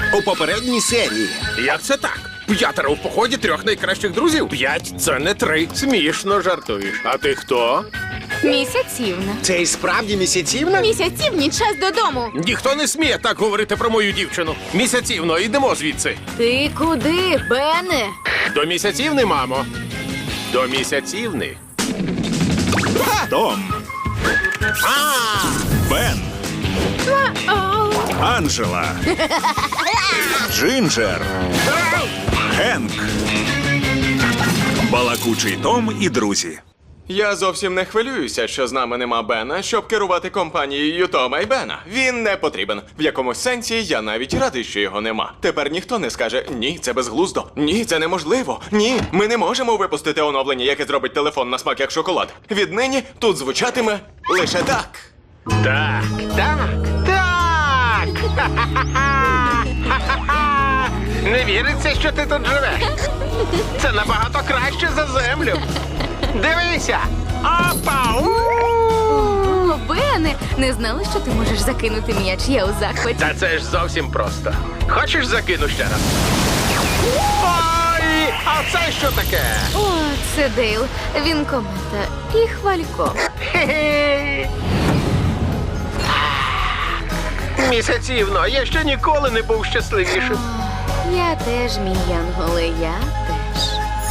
у попередній серії. Як це так? 5 в поході 3 найкращих друзів? 5 – це не 3. Смішно жартуєш. А ти хто? Місяцівна. Це і справді місяцівна? Місяцівні, час додому. Ніхто не сміє так говорити про мою дівчину. Місяцівно, йдемо звідси. Ти куди, Бене? До місяцівни, мамо. До місяцівни. Том. Бен. Анджела. Джинджер. Генк. Балакучий Том і друзі. Я зовсім не хвилююся, що з нами нема Бена, щоб керувати компанією Тома і Бена. Він не потрібен. В якомусь сенсі я навіть радий, що його нема. Тепер ніхто не скаже «Ні, це безглуздо», «Ні, це неможливо», «Ні, ми не можемо випустити оновлення, яке зробить телефон на смак як шоколад». Віднині тут звучатиме лише так. Так, так, так. Не віриться, що ти тут живеш. Це набагато краще за землю. Дивися! Опа! О, Бене, не знала, що ти можеш закинути м'яч. Я у захваті. Та це ж зовсім просто. Хочеш закину ще раз? Ой! А це що таке? О, це Дейл. Він комета і хвалько. Хе-хе. Місяцівно, я ще ніколи не був щасливішим. Я теж, мій янголе, я теж.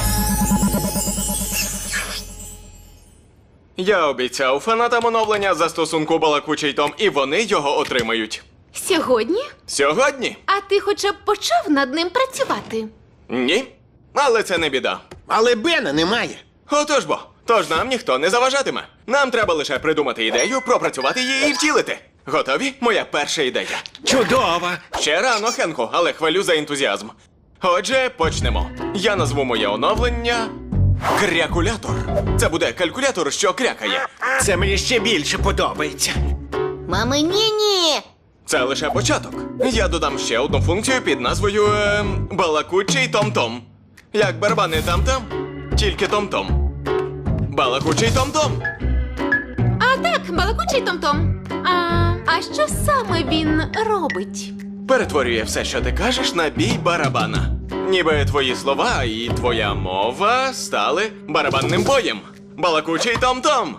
Я обіцяв фанатам оновлення застосунку «Балакучий Том», і вони його отримають. Сьогодні? Сьогодні? А ти хоча б почав над ним працювати? Ні. Але це не біда. Але Бена немає. Отож бо. Тож нам ніхто не заважатиме. Нам треба лише придумати ідею, пропрацювати її і втілити. Готові? Моя перша ідея. Чудово! Ще рано, Хенку, але хвалю за ентузіазм. Отже, почнемо. Я назву моє оновлення «Крякулятор». Це буде калькулятор, що крякає. Це мені ще більше подобається. Мами, ні-ні! Це лише початок. Я додам ще одну функцію під назвою «Балакучий Том-Том». Як барабани там-там, тільки Том-Том. Балакучий Том-Том. А так, балакучий Том-Том. А що саме він робить? Перетворює все, що ти кажеш, на бій барабана. Ніби твої слова і твоя мова стали барабанним боєм. Балакучий Том-Том.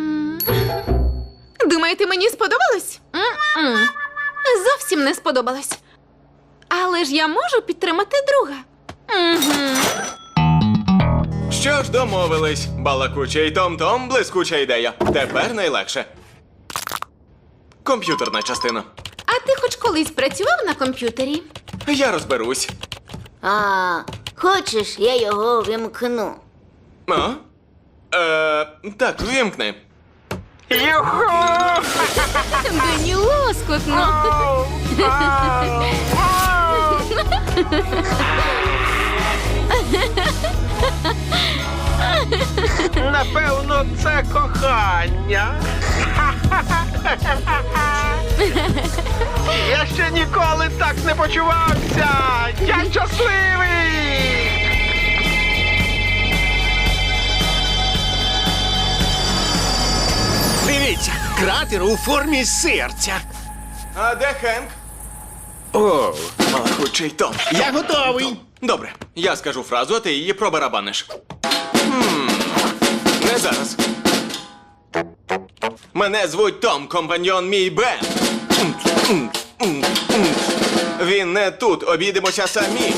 Думаєте, мені сподобалось? М-м. Зовсім не сподобалось. Але ж я можу підтримати друга. Що ж, домовились. Балакучий Том-Том, блискуча ідея. Тепер найлегше. Комп'ютерна частина. А ти хоч колись працював на комп'ютері? Я розберусь. Хочеш, я його вимкну. А? Так, вимкни. Юху! Мені лоскотно. Напевно, це кохання. Я ще ніколи так не почувався. Я щасливий. Дивіться, кратер у формі серця. А де Хенк? О, Балакучий Том. я готовий. Добре, я скажу фразу, а ти її пробарабаниш. Не зараз. Мене звуть Том, компаньйон мій Бен. Він не тут, обійдемося самі.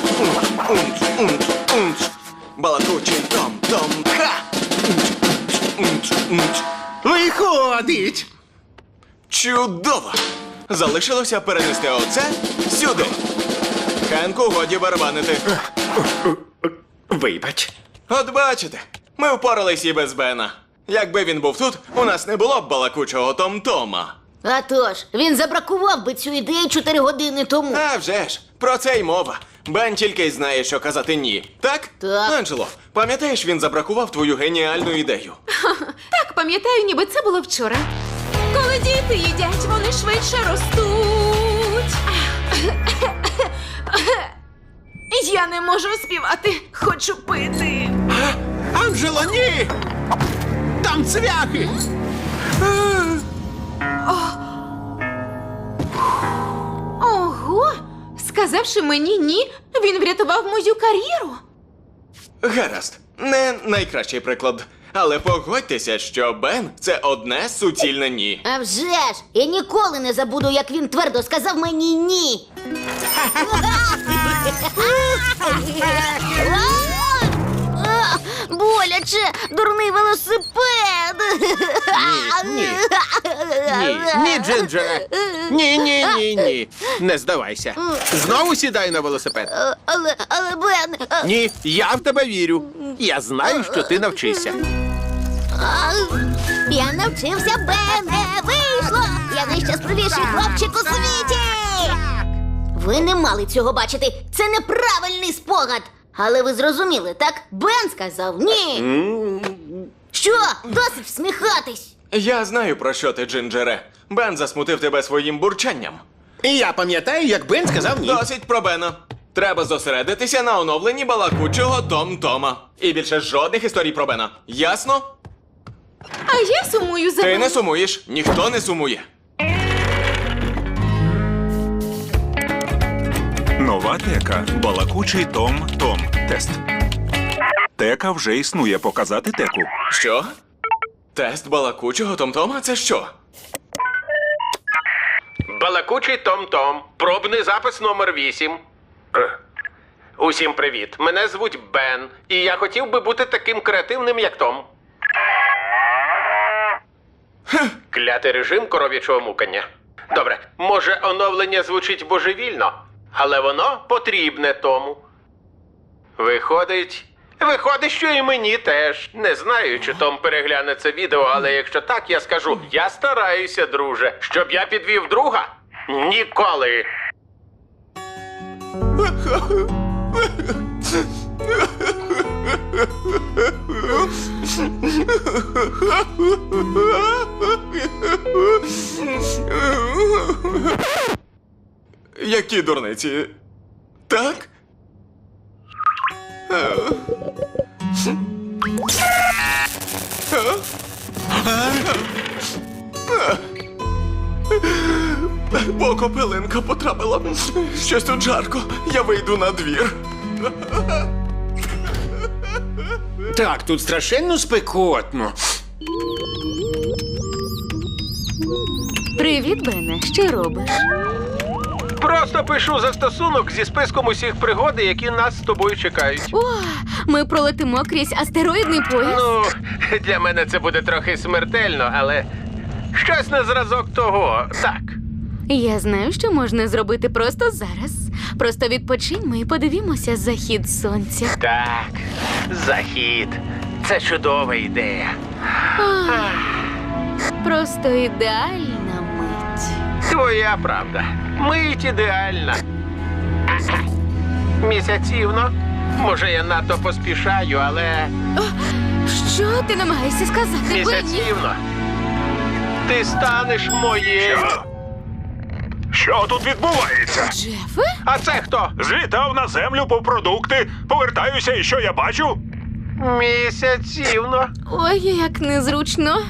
Балакучий Том, Том-ха. Виходить. Чудово! Залишилося перенести оце сюди. Хенку, годі барабанити. Вибач. От бачите, ми впорались і без Бена. Якби він був тут, у нас не було б балакучого Том-Тома. А тож, він забракував би цю ідею 4 години тому. А вже ж, про це й мова. Бен тільки й знає, що казати ні. Так? Так. Анджело, пам'ятаєш, він забракував твою геніальну ідею? Так, пам'ятаю, ніби це було вчора. Коли діти їдять, вони швидше ростуть. Я не можу співати, хочу пити. Анджело, ні! Там цвяхи! Ого! Сказавши мені ні, він врятував мою кар'єру. Гаразд, не найкращий приклад. Але погодьтеся, що Бен – це одне суцільне ні. А вже ж! Я ніколи не забуду, як він твердо сказав мені ні. Боляче! Дурний велосипед! Ні, Джинджере. Ні. Не здавайся. Знову сідай на велосипед. Але Бен... Ні, я в тебе вірю. Я знаю, що ти навчишся. Я навчився, Бене! Вийшло! Я найщасливіший хлопчик у світі! Ви не мали цього бачити. Це неправильний спогад. Але ви зрозуміли, так? Бен сказав ні. Що? Досить всміхатись. Я знаю, про що ти, Джинджере. Бен засмутив тебе своїм бурчанням. І я пам'ятаю, як Бен сказав ні. Досить про Бена. Треба зосередитися на оновленні балакучого Том-Тома. І більше жодних історій про Бена. Ясно? А я сумую за Ти Беном. не сумуєш, ніхто не сумує. Нова тека. Балакучий Том. Тест. Тека вже існує. Показати теку. Що? Тест балакучого Том-Тома? Це що? Балакучий Том-Том. Пробний запис номер 8. Усім привіт. Мене звуть Бен. І я хотів би бути таким креативним, як Том. Клятий режим коров'ячого мукання. Добре, може оновлення звучить божевільно, але воно потрібне Тому. Виходить, що і мені теж. Не знаю, чи Том перегляне це відео, але якщо так, я скажу, я стараюся, друже. Щоб я підвів друга? Ніколи. Які дурниці? Так? Покопилинка потрапила. Щось тут жарко. Я вийду на двір. Так, тут страшенно спекотно. Привіт, Бене. Що робиш? Просто пишу застосунок зі списком усіх пригод, які нас з тобою чекають. О, ми пролетимо крізь астероїдний пояс. Ну, для мене це буде трохи смертельно, але щось на зразок того. Так. Я знаю, що можна зробити просто зараз. Просто відпочиньмо і подивімося захід сонця. Так, захід. Це чудова ідея. Просто ідеальна мить. Твоя правда. Мить ідеальна. Місяцівно. Може, я надто поспішаю, але Що ти намагаєшся сказати, Бенні? місяцівно. Ти станеш моєю. Що тут відбувається? Джефе? А це хто? Злітав на землю по продукти. Повертаюся, і що я бачу? Місяцівно. Ой, як незручно.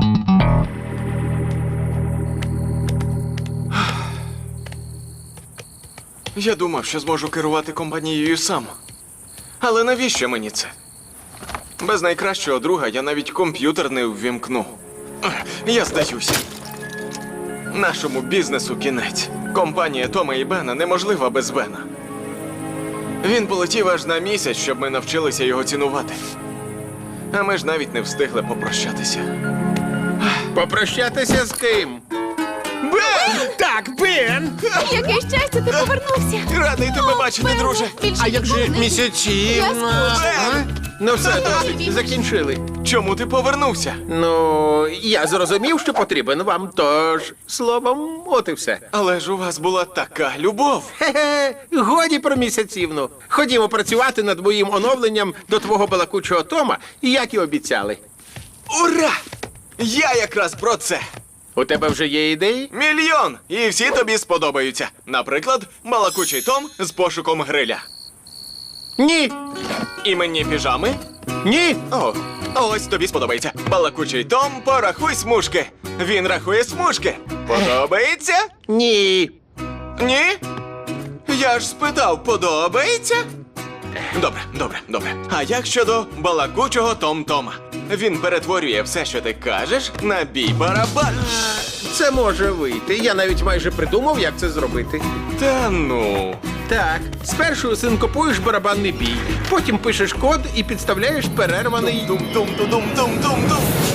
Я думав, що зможу керувати компанією сам. Але навіщо мені це? Без найкращого друга я навіть комп'ютер не ввімкну. Я здаюся. Нашому бізнесу кінець. Компанія Тома і Бена неможлива без Бена. Він полетів аж на місяць, щоб ми навчилися його цінувати. А ми ж навіть не встигли попрощатися. Попрощатися з ким? Бен! Так, Бен! Яке щастя, ти повернувся. Радий тебе бачити, Бен, друже. більше А як же ніколи не- місяцівна? Я скучила. Ну все, досить, закінчили. Чому ти повернувся? Ну, я зрозумів, що потрібен вам, тож, словом, от і все. Але ж у вас була така любов. Хе-хе, годі про місяцівну. Ходімо працювати над моїм оновленням до твого балакучого Тома, як і обіцяли. Ура! Я якраз про це. У тебе вже є ідеї? Мільйон! І всі тобі сподобаються. Наприклад, балакучий Том з пошуком гриля. Ні. Іменні піжами. Ні. О, ось тобі сподобається. Балакучий Том, порахуй смужки. Він рахує смужки. Подобається? Ні. Ні? Я ж спитав, подобається? Добре. А як щодо балакучого Том-Тома? Він перетворює все, що ти кажеш, на бій барабанів. Це може вийти. Я навіть майже придумав, як це зробити. Та ну. Так, спершу синкопуєш барабанний бій, потім пишеш код і підставляєш перерваний. Дум-дум-дум-дум-дум-дум.